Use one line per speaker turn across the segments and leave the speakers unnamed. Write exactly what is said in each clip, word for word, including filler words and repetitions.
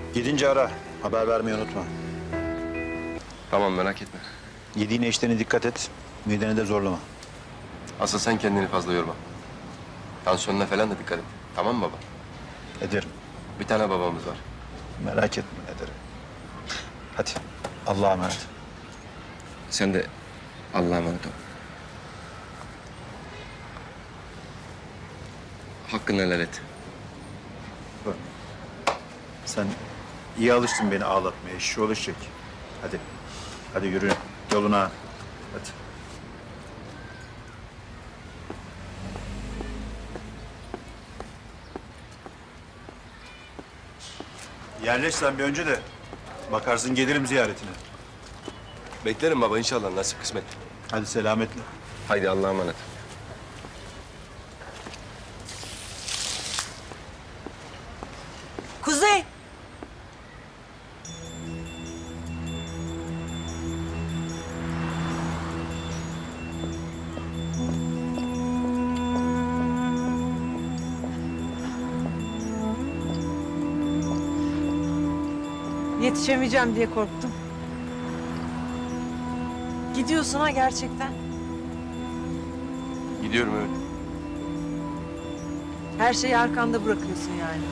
Gidince ara. Haber vermeyi unutma.
Tamam, merak etme.
Yediğine içtiğine dikkat et. Mideni de zorlama.
Asıl sen kendini fazla yorma. Tansiyonuna falan da dikkat et. Tamam mı baba?
Ederim.
Bir tane babamız var.
Merak etme ederim. Hadi. Allah'a emanet.
Sen de Allah'a emanet ol. Hakkını helal et.
Bak. Sen iyi alıştın beni ağlatmaya. İşi olacak. Hadi. Hadi yürü. Yoluna. Hadi. Yerleş sen bir önce de. Bakarsın gelirim ziyaretine.
Beklerim baba inşallah, nasip kısmet.
Hadi selametle.
Haydi Allah'a emanet.
Kuzey. Yetişemeyeceğim diye korktum. Gidiyorsun ha gerçekten.
Gidiyorum evet.
Her şeyi arkanda bırakıyorsun yani.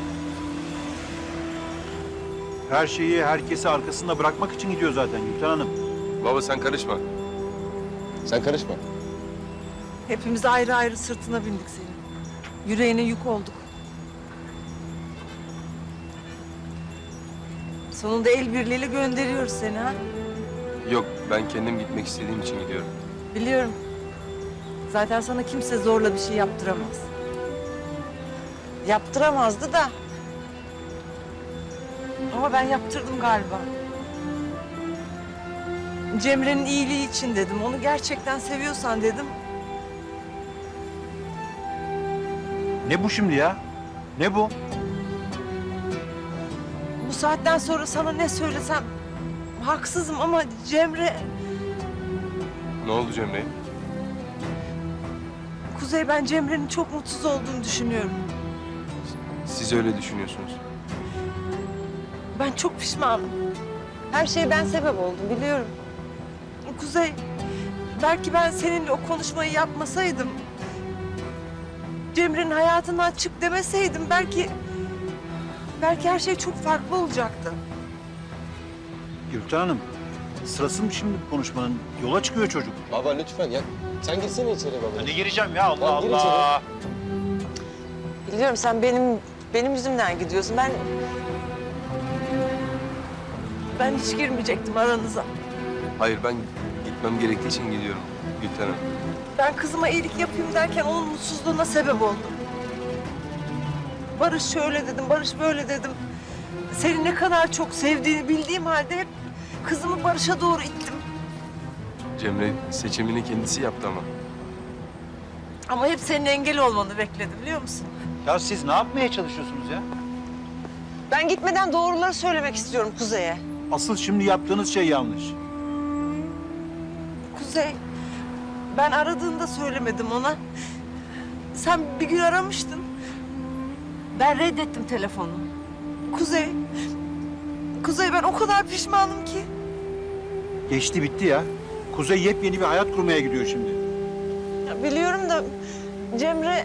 Her şeyi, herkesi arkasında bırakmak için gidiyor zaten Gülten Hanım.
Baba sen karışma. Sen karışma.
Hepimiz ayrı ayrı sırtına bindik senin. Yüreğine yük olduk. Sonunda el birliğiyle gönderiyoruz seni ha.
Yok, ben kendim gitmek istediğim için gidiyorum.
Biliyorum. Zaten sana kimse zorla bir şey yaptıramaz. Yaptıramazdı da. Ama ben yaptırdım galiba. Cemre'nin iyiliği için dedim. Onu gerçekten seviyorsan dedim.
Ne bu şimdi ya? Ne bu?
Bu saatten sonra sana ne söylesem haksızım ama Cemre...
Ne oldu Cemre?
Kuzey, ben Cemre'nin çok mutsuz olduğunu düşünüyorum.
Siz öyle düşünüyorsunuz.
Ben çok pişmanım. Her şeye ben sebep oldum biliyorum. Kuzey, belki ben seninle o konuşmayı yapmasaydım... Cemre'nin hayatından çık demeseydim belki... Belki her şey çok farklı olacaktı.
Gülten Hanım, sırası mı şimdi bu konuşmanın? Yola çıkıyor çocuk.
Baba lütfen ya. Sen gitsene içeri baba.
Ne gireceğim ya Allah
Lan gir
Allah.
Biliyorum sen benim benim yüzümden gidiyorsun. Ben ben hiç girmeyecektim aranıza.
Hayır, ben gitmem gerektiği için gidiyorum Gülten Hanım.
Ben kızıma iyilik yapayım derken onun mutsuzluğuna sebep oldum. Barış şöyle dedim, Barış böyle dedim. Seni ne kadar çok sevdiğini bildiğim halde hep kızımı Barış'a doğru ittim.
Cemre seçimini kendisi yaptı ama.
Ama hep senin engel olmanı bekledim biliyor musun?
Ya siz ne yapmaya çalışıyorsunuz ya?
Ben gitmeden doğruları söylemek istiyorum Kuzey'e.
Asıl şimdi yaptığınız şey yanlış.
Kuzey, ben aradığında söylemedim ona. Sen bir gün aramıştın. Ben reddettim telefonu. Kuzey, Kuzey ben o kadar pişmanım ki.
Geçti bitti ya. Kuzey yepyeni bir hayat kurmaya gidiyor şimdi.
Ya biliyorum da Cemre...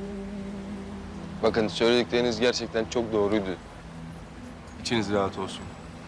Bakın söyledikleriniz gerçekten çok doğruydu. İçiniz rahat olsun.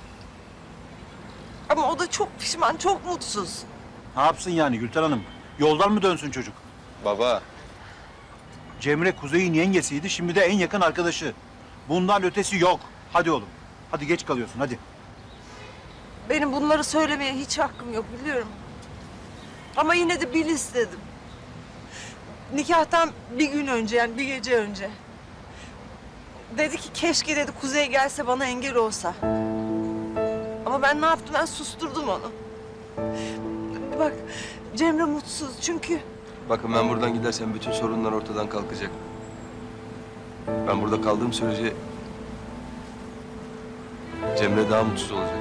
Ama o da çok pişman, çok mutsuz.
Ne yapsın yani Gülten Hanım? Yoldan mı dönsün çocuk?
Baba.
Cemre Kuzey'in yengesiydi, şimdi de en yakın arkadaşı. Bundan ötesi yok. Hadi oğlum. Hadi geç kalıyorsun, hadi.
Benim bunları söylemeye hiç hakkım yok biliyorum. Ama yine de bil istedim. Nikahtan bir gün önce yani bir gece önce. Dedi ki keşke dedi Kuzey gelse bana engel olsa. Ama ben ne yaptım? Ben susturdum onu. Bak Cemre mutsuz çünkü
Bakın ben buradan gidersem bütün sorunlar ortadan kalkacak. Ben burada kaldığım sürece Cemre daha mutsuz olacak.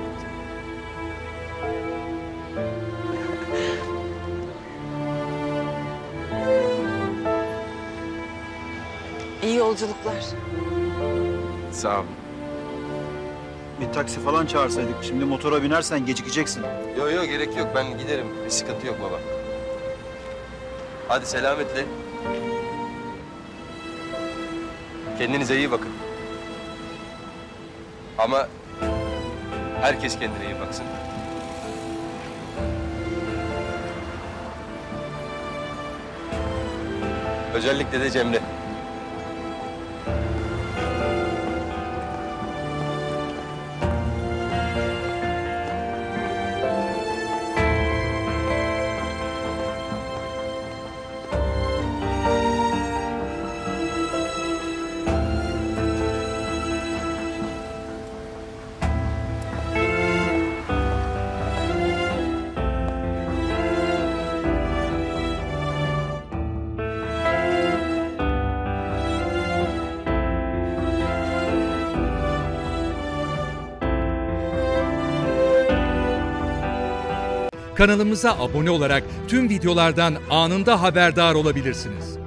iyi yolculuklar.
Sağ olun.
Bir taksi falan çağırsaydık. Şimdi motora binersen gecikeceksin.
Yok yok gerek yok ben giderim. Bir sıkıntı yok baba. Hadi selametle. Kendinize iyi bakın. Ama herkes kendine iyi baksın. Özellikle de Cemre.
Kanalımıza abone olarak tüm videolardan anında haberdar olabilirsiniz.